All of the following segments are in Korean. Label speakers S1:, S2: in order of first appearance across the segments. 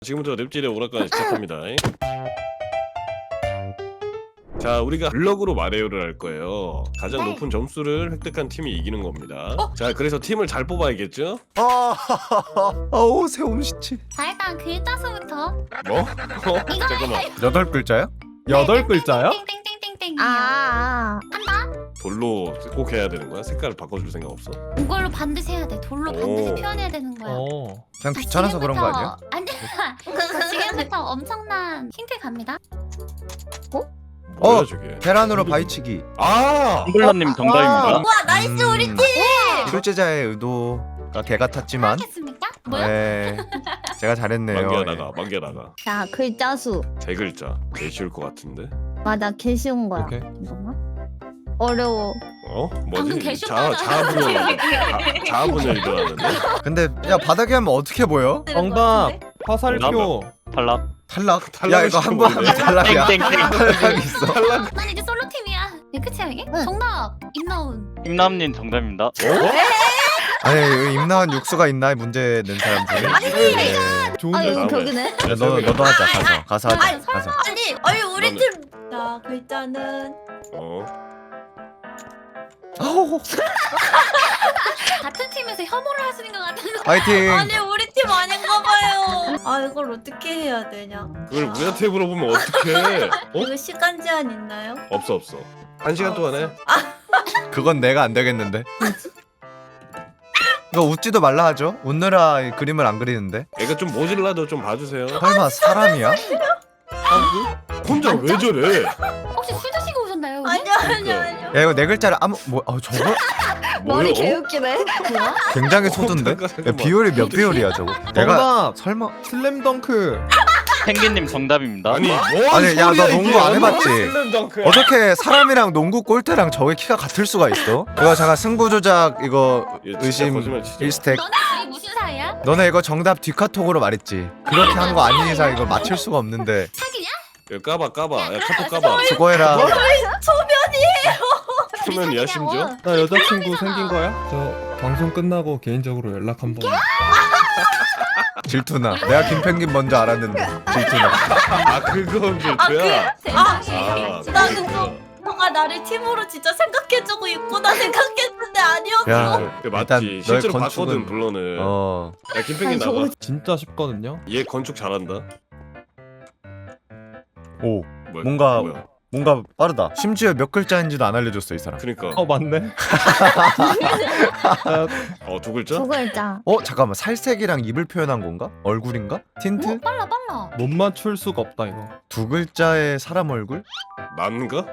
S1: 지금부터 랩질의 오락관 시작합니다. 자, 우리가 블럭으로 마리오를 할 거예요. 가장 높은 점수를 획득한 팀이 이기는 겁니다. 자, 그래서 팀을 잘 뽑아야겠죠?
S2: 아우 새움시치.
S3: 자 일단 글자 수부터
S1: 뭐? 잠깐만.
S2: 8글자야?
S4: 8글자야?
S3: 땡땡땡땡땡 한다.
S1: 돌로 꼭 해야 되는 거야? 색깔을 바꿔줄 생각 없어?
S3: 이걸로 반드시 해야 돼. 돌로 반드시
S1: 오.
S3: 표현해야 되는 거야.
S2: 그냥 귀찮아서 그런 거 아니야?
S3: 아니야. 자, 지금부터 엄청난 힌트 갑니다.
S1: 뭐야 저게?
S2: 계란으로 바위치기.
S1: 아!
S5: 잉글러님 정답입니다.
S3: 와 나이스 우리 팀.
S2: 출제자의 의도가 개 같았지만
S3: 하겠습니까? 뭐야?
S2: 네 제가 잘했네요.
S1: 만개 나가.
S6: 자 글자 수
S1: 세 글자. 제일 쉬울 것 같은데?
S6: 맞아 개 쉬운 거야.
S4: 오케이.
S6: 잠깐만. 어려워.
S1: 어?
S3: 방금
S1: 뭐지?
S3: 개쇼다가
S1: 자아분열 일어나는데?
S2: 근데 야 바닥에 하면 어떻게 보여?
S4: 정답 화살표.
S5: 탈락.
S2: 탈락?
S1: 탈락을
S2: 야 이거 한 번 하면 탈락이야.
S5: 땡땡땡.
S2: 탈락 있어.
S3: 난 이제 솔로 팀이야. 네 끝이야 이게? 정답 임나운.
S5: 임남님 정답입니다.
S2: 아니 임나온 육수가 있나 문제 낸 사람들이. 네.
S4: 좋은
S6: 아
S4: 데
S6: 여기
S1: 다음에.
S6: 벽이네.
S2: 야, 너도 하자 가서 하자 가서.
S7: 아니 우리
S1: 너는-
S7: 팀. 자 글자는
S2: 아우
S3: 같은 팀에서 혐오를 하시는 것 같은 거.
S2: 파이팅.
S7: 아니 우리 팀 아닌가 봐요. 아 이걸 어떻게 해야 되냐?
S1: 그걸 우리한테 물어보면 어떡해?
S7: 이거 시간 제한 있나요?
S1: 없어. 1시간 동안 해.
S2: 그건 내가 안 되겠는데. 이거 웃지도 말라 하죠. 웃느라 이 그림을 안 그리는데.
S1: 애가 좀 모질라도 좀 봐주세요.
S2: 설마 사람이야?
S1: 혼자 왜 저래?
S3: 혹시 술 드시고 오셨나요? 여기?
S7: 아니요.
S2: 야 이거 네 글자를 저거
S6: 머리
S1: 뭐야?
S6: 개웃기네.
S3: 뭐야?
S2: 굉장히 소두인데? 야, 비율이 몇 비율이야 저거? 내가
S4: 정답
S2: 설마
S4: 슬램덩크.
S5: 펭귄님 정답입니다.
S1: 아니
S2: 아니, 야, 너 농구 안 해봤지?
S1: 슬램덩크야.
S2: 어떻게 사람이랑 농구 골대랑 저게 키가 같을 수가 있어? 이거 잠깐 승부 조작 이거
S1: 얘 진짜
S2: 의심
S1: 거짓말 치지 마.
S2: 1스택.
S3: 너네 둘이 무슨 사이야?
S2: 너네 이거 정답 뒷카톡으로 말했지. 그렇게 한 거 아닌 이상 이거 맞출 수가 없는데.
S3: 사귀냐?
S1: 야, 까봐. 야, 카톡 까봐.
S2: 수고해라.
S1: 초면이야 심지어?
S4: 나 여자친구 생긴 거야? 저 방송 끝나고 개인적으로 연락 한번.
S2: 질투나. 내가 김펭귄 먼저 알았는데 질투나.
S1: 아 그건 질투야?
S7: 나 그거 너가 나를 팀으로 진짜 생각해주고 있구나 생각했는데 아니었어.
S2: 야
S1: 그래,
S2: 일단
S1: 맞지.
S2: 너의
S1: 실제로
S2: 건축은-
S1: 봤거든 블러는. 야 김펭귄 나봐.
S4: 진짜 쉽거든요.
S1: 얘 건축 잘한다.
S2: 오
S1: 뭐야?
S2: 뭔가
S1: 뭐야?
S2: 뭔가 빠르다. 심지어 몇 글자인지도 안 알려줬어 이 사람.
S1: 그니까.
S4: 맞네.
S1: 두 글자?
S6: 두 글자.
S2: 잠깐만 살색이랑 입을 표현한 건가? 얼굴인가? 틴트?
S3: 빨라.
S4: 못 맞출 수가 없다 이거.
S2: 두 글자의 사람 얼굴?
S1: 난가?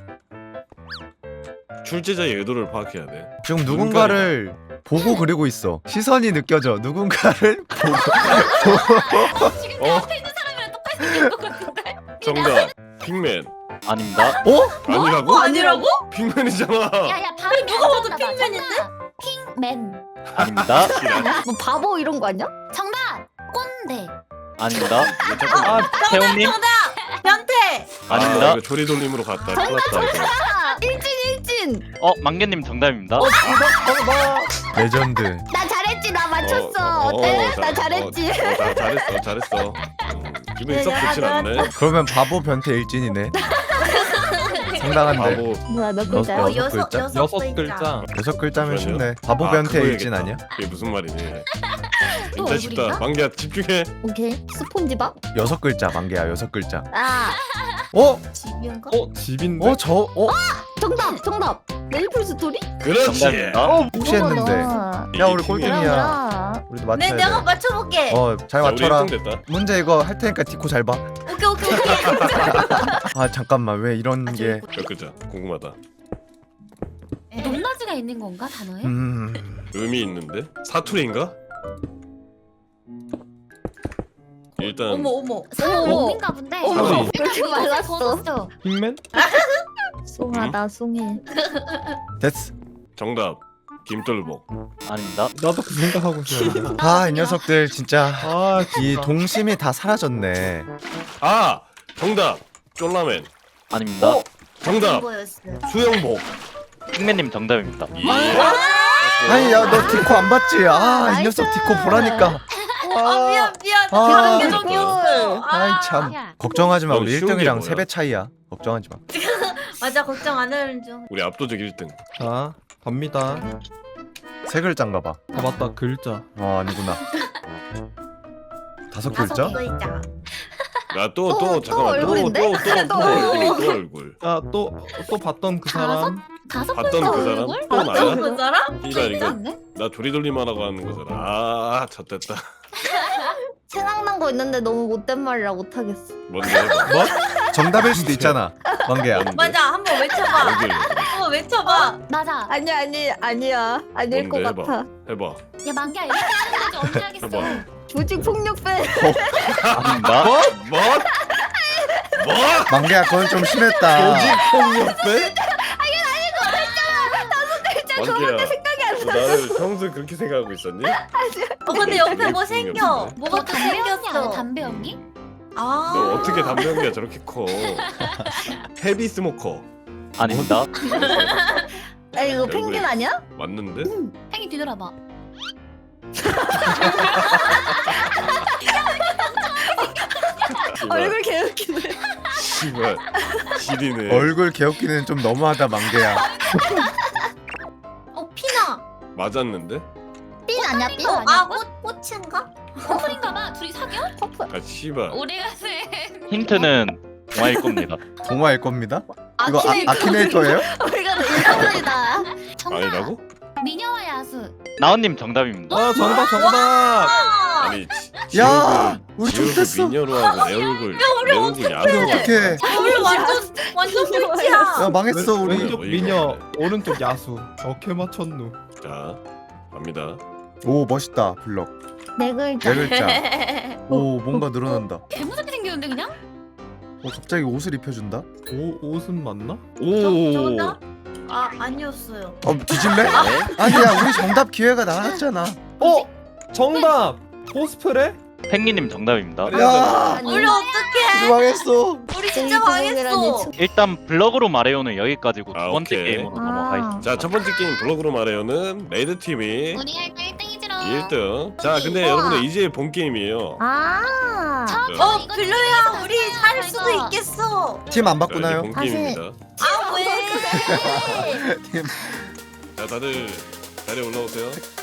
S1: 출제자의 의도를 파악해야 돼.
S2: 지금 누군가를 보고 그리고 있어. 시선이 느껴져. 누군가를 보고.
S3: 지금
S1: 어?
S3: 앞에 있는 사람이랑 똑같이 생긴 것 같은데?
S1: 정답. 픽맨.
S5: 아닙니다.
S1: 아니라고?
S7: 아니라고?
S1: 픽맨이잖아.
S3: 야야 바로
S7: 누가 봐도 핑맨인데?
S3: 핑맨.
S5: 아닙니다.
S6: 뭐 바보 이런 거 아니야?
S3: 정답. 꼰대.
S5: 아닙니다.
S4: 아
S5: 태훈님
S7: 변태.
S5: 아닙니다.
S1: 이거 조리돌림으로 갔다. 큰일 났다 이거.
S6: 일진.
S5: 망개님 정답입니다.
S2: 레전드.
S6: 나 잘했지. 나 맞췄어. 어때? 나 잘했지.
S1: 잘했어. 기분이 썩 좋진 않네.
S2: 그러면 바보 변태 일진이네. 상당한데.
S1: 바보.
S6: 뭐야 몇
S2: 너-
S6: 글자야?
S2: 너-
S7: 여섯
S2: 글자?
S4: 여섯 글자.
S2: 6글자면 쉽네.
S1: 그러네요.
S2: 바보 변태
S1: 그거
S2: 일진
S1: 해야겠다.
S2: 아니야?
S1: 이게 무슨 말이니?
S3: 또
S1: 진짜 쉽다.
S3: 얼굴인가?
S1: 만기야 집중해.
S6: 오케이. 스폰지밥?
S2: 6글자 만개야 6글자.
S6: 아
S7: 집인가?
S4: 집인데.
S6: 정답. 메이플 스토리?
S1: 그렇지.
S5: 정답입니다.
S2: 혹시 했는데. 야 우리
S1: 팀이야.
S2: 꼴등이야. 우리도
S7: 네
S2: 맞춰야
S7: 내가
S2: 돼.
S7: 맞춰볼게.
S2: 잘
S1: 자, 우리
S2: 맞춰라.
S1: 1등 됐다.
S2: 문제 이거 할 테니까 디코 잘 봐.
S7: 오케이.
S2: 아 잠깐만 왜 이런 게.
S1: 몇 글자? 궁금하다.
S3: 높낮이가 있는 건가 단어에?
S1: 의미 있는데? 사투리인가? 일단
S7: 어머.
S3: 사람
S6: 어머.
S3: 몸인가 본데.
S6: 어머,
S1: 사람이-
S6: 왜 이렇게 말랐어?
S4: 핑맨?
S6: 숭하다 숭해.
S2: 됐어.
S1: 정답. 김돌복.
S5: 아닙니다.
S4: 나도 그 생각하고 있었는데.
S2: 이 녀석들 진짜
S4: 아
S2: 이 동심이 다 사라졌네.
S1: 아! 정답. 쫄라맨.
S5: 아닙니다.
S1: 정답.
S7: 이거였어요.
S1: 수영복.
S5: 핑맨님 정답입니다.
S1: 예.
S2: 아니 야 너 디코 안 봤지? 이 녀석 디코 보라니까.
S7: 미안.
S2: 아,
S7: 다른 계정이었어.
S2: 아이 참. 걱정하지 마.
S1: 넌
S2: 우리
S1: 쉬운 게
S2: 1등이랑
S1: 뭐야?
S2: 3배 차이야. 걱정하지 마.
S7: 맞아 걱정 안 하는 중.
S1: 우리 압도적 1등.
S4: 자 갑니다.
S2: 세 글자인가 봐.
S4: 아 맞다 글자.
S2: 아니구나. 다섯
S7: 다섯
S2: 글자?
S7: 글자.
S1: 또 잠깐만
S6: 얼굴인데?
S1: 또 얼굴.
S4: 자또 봤던 그 사람.
S3: 다섯
S1: 봤던
S3: 글자
S1: 그 사람
S3: 얼굴?
S1: 또 나야?
S7: 그 사람?
S1: 이발 이거
S3: 않네?
S1: 나 조리돌림 하라고 하는 거잖아. 아 젖됐다.
S6: 생각난 거 있는데 너무 못된 말이라 못하겠어.
S1: 뭔데 해봐.
S2: 뭐? 정답일 수도 있잖아. 만개야.
S1: 뭔데?
S7: 맞아 한번 외쳐봐.
S1: 얼굴
S7: 한번 외쳐봐.
S3: 맞아.
S6: 아니야. 아닐 것
S1: 뭔데,
S6: 같아.
S1: 해봐.
S3: 야 만기야 이렇게 하는 거지 언제 하겠어?
S1: 해봐.
S6: 조직 폭력배.
S5: 아닙니다.
S1: 뭐?
S2: 만개야 그건 좀 심했다.
S4: 폭력배?
S1: 만기야. 나를 평소에 그렇게 생각하고 있었니?
S7: 근데 옆에 뭐
S1: 되게
S7: 생겨.
S1: 풍요롭네.
S7: 뭐가 또
S3: 담배 연기 아니야?
S7: 생겼어.
S3: 담배 연기?
S7: 아.
S1: 너 어떻게 담배 연기가 저렇게 커? 헤비 스모커
S5: 아닙니다.
S6: 아 이거 펭귄 아니야?
S1: 맞는데?
S3: 팽이 뒤돌아봐.
S6: 얼굴 개웃기네.
S1: 씨발 지리네.
S2: 얼굴 개웃기는 좀 너무하다 만개야.
S7: 피나.
S1: 맞았는데?
S6: 삔 아니야 삔?
S7: 꽃인가?
S3: 커플인가봐. 둘이 사겨?
S1: 아 씨발.
S3: 우리가 쓴
S5: 힌트는 동아일 겁니다.
S2: 동화일 겁니다. 이거
S6: 아키네이터.
S2: 아키네이터예요?
S6: 우리가 일반이다.
S3: 정답.
S1: 아니라고?
S3: 미녀와 야수.
S5: 나온님 정답입니다.
S4: 아 정답.
S1: 아니
S2: 야, 우리
S1: 지 얼굴
S2: 좋댔어.
S1: 미녀로 하고 내 얼굴 야수로
S2: 어떡해.
S7: 우리 완전 꿀이야.
S2: 야 망했어 우리.
S4: 왼쪽 미녀, 오른쪽 야수. 어케 맞췄누.
S1: 자 갑니다.
S2: 오 멋있다 블럭.
S6: 네 글자.
S2: 네 글자. 오 뭔가 늘어난다.
S3: 개무섭게 생겼는데 그냥?
S2: 갑자기 옷을 입혀준다.
S4: 옷은 맞나?
S7: 정답? 아니었어요.
S2: 뒤질래? 아니야 우리 정답 기회가 나왔잖아.
S4: 정답. 코스프레?
S5: 펭귄님 정답입니다.
S2: 야
S7: 우리 어떡해?
S2: 망했어.
S7: 우리 진짜 망했어.
S5: 일단 블럭으로 말해요는 여기까지고 두
S1: 아,
S5: 번째
S1: 오케이.
S5: 게임으로 넘어가겠습니다.
S1: 자 첫 번째 게임 블록으로 말해요는 레드 팀이
S3: 우리 할거 1등이지롱.
S1: 1등. 자 근데 여러분들 이제 본 게임이에요.
S6: 아.
S7: 빌로야 우리 살 수도 있겠어.
S2: 팀 안
S1: 자, 이제
S2: 바꾸나요?
S1: 본
S6: 다시.
S1: 게임입니다.
S7: 아 왜?
S1: 자 다들 자리에 올라오세요.